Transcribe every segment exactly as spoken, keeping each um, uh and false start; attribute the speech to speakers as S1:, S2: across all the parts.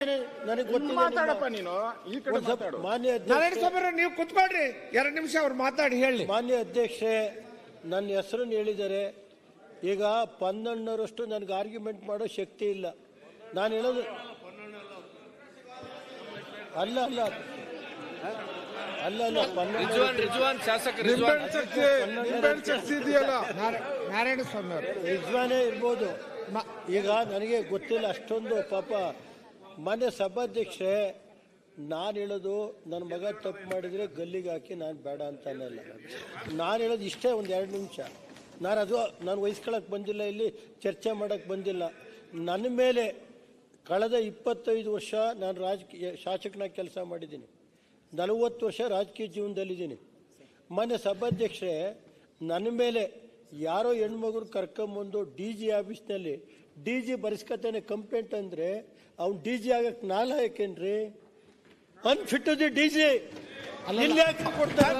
S1: ನನಗೆ ಗೊತ್ತಿಲ್ಲ
S2: ಮಾತಾಡಪ್ಪ ನೀನು ಈ ಕಡೆ ಮಾತಾಡು.
S1: ಮಾನ್ಯ
S3: ನಾರಾಯಣ ಸ್ವಾಮಿ ನೀವು ಕುತ್ಕೊಳ್ರಿ ಎರಡು ನಿಮಿಷ ಅವ್ರು ಮಾತಾಡಿ ಹೇಳಿ.
S1: ಮಾನ್ಯ ಅಧ್ಯಕ್ಷೆ ನನ್ನ ಹೆಸರನ್ನು ಹೇಳಿದ್ದಾರೆ. ಈಗ ಪನ್ನೊಂದರಷ್ಟು ನನಗೆ ಆರ್ಗ್ಯುಮೆಂಟ್ ಮಾಡೋ ಶಕ್ತಿ ಇಲ್ಲ. ನಾನು ಹೇಳೋದು ಅಲ್ಲ ಅಲ್ಲ ಅಲ್ಲ ಅಲ್ಲ
S3: ನಾರಾಯಣ ಸ್ವಾಮಿ ಅವರು
S1: ರಿಜ್ವಾನೇ ಇರ್ಬೋದು. ಈಗ ನನಗೆ ಗೊತ್ತಿಲ್ಲ ಅಷ್ಟೊಂದು. ಪಾಪ ಮಾನ್ಯ ಸಭಾಧ್ಯಕ್ಷೆ, ನಾನು ಹೇಳೋದು ನನ್ನ ಮಗ ತಪ್ಪು ಮಾಡಿದರೆ ಗಲ್ಲಿಗೆ ಹಾಕಿ ನಾನು ಬೇಡ ಅಂತ ಅನ್ನಲ್ಲ. ನಾನು ಹೇಳೋದು ಇಷ್ಟೇ, ಒಂದು ಎರಡು ನಿಮಿಷ. ನಾನು ಅದು ನಾನು ವಹಿಸ್ಕೊಳಕ್ಕೆ ಬಂದಿಲ್ಲ, ಇಲ್ಲಿ ಚರ್ಚೆ ಮಾಡೋಕ್ಕೆ ಬಂದಿಲ್ಲ. ನನ್ನ ಮೇಲೆ ಕಳೆದ ಇಪ್ಪತ್ತೈದು ವರ್ಷ ನಾನು ರಾಜಕೀಯ ಶಾಸಕನಾಗಿ ಕೆಲಸ ಮಾಡಿದ್ದೀನಿ. ನಲವತ್ತು ವರ್ಷ ರಾಜಕೀಯ ಜೀವನದಲ್ಲಿದ್ದೀನಿ. ಮಾನ್ಯ ಸಭಾಧ್ಯಕ್ಷೆ, ನನ್ನ ಮೇಲೆ ಯಾರೋ ಹೆಣ್ಮಗುರು ಕರ್ಕೊಂಬಂದು ಡಿ ಜಿ ಆಫೀಸ್ನಲ್ಲಿ ಡಿ ಜಿ ಬರೆಸ್ಕೊತಾನೆ ಕಂಪ್ಲೇಂಟ್ ಅಂದರೆ ಅವ್ನು ಡಿ ಜಿ ಆಗಕ್ಕೆ ನಾಲ ಯಾಕೇನ್ರಿ? ಅನ್ಫಿಟ್ ದಿ ಡಿ ಜಿ ಇಲ್ಲಿ ಕೊಡ್ತಾರೆ.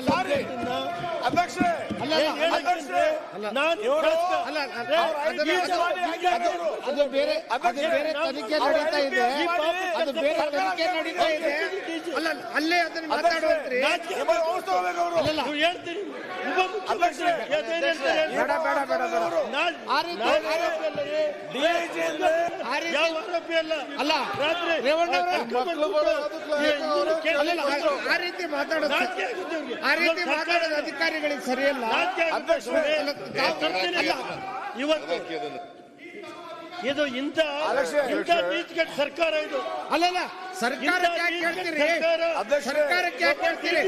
S3: ಅದು ಬೇರೆ ತನಿಖೆ ನಡೀತಾ ಇದೆ, ಅದು ಬೇರೆ ತನಿಖೆ ನಡೀತಾ ಇದೆ. ಅಲ್ಲ ಅಲ್ಲೇ ಅದನ್ನ ಮಾತಾಡುವಂತ್ರಿ.
S1: ಹೇಳ್ತೀನಿ
S3: ಬೇಡ ಬೇಡ ಬೇಡ ಅಲ್ಲ ರೇವಣ್ಣ ಆ ರೀತಿ ಮಾತಾಡೋದು ಆ ರೀತಿ ಮಾತಾಡೋದು ಅಧಿಕಾರಿಗಳಿಗೆ ಸರಿಯಲ್ಲ.
S1: ಇವತ್ತು ಇದು ಇಂಥ ಇಂಥ ನೀತಿಗೆಟ್ಟ ಸರ್ಕಾರ ಇದು.
S3: ಅಲ್ಲಲ್ಲ ಸರ್ಕಾರಕ್ಕೆ ಯಾಕೆ ಹೇಳ್ತೀರಿ? ಸರ್ಕಾರಕ್ಕೆ ಯಾಕೆ ಹೇಳ್ತೀರಿ?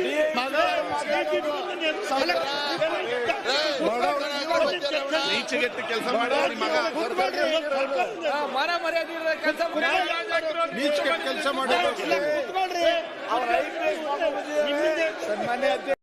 S2: ನೀಚೆಗೆಟ್ಟು ಕೆಲಸ ಮಾಡಿ ಮಗ
S4: ಮರ ಮರ್ಯಾದೆ
S2: ನೀಚೆಗೆಟ್ಟು ಕೆಲಸ ಮಾಡಿ.
S1: ಸನ್ಮಾನ್ಯ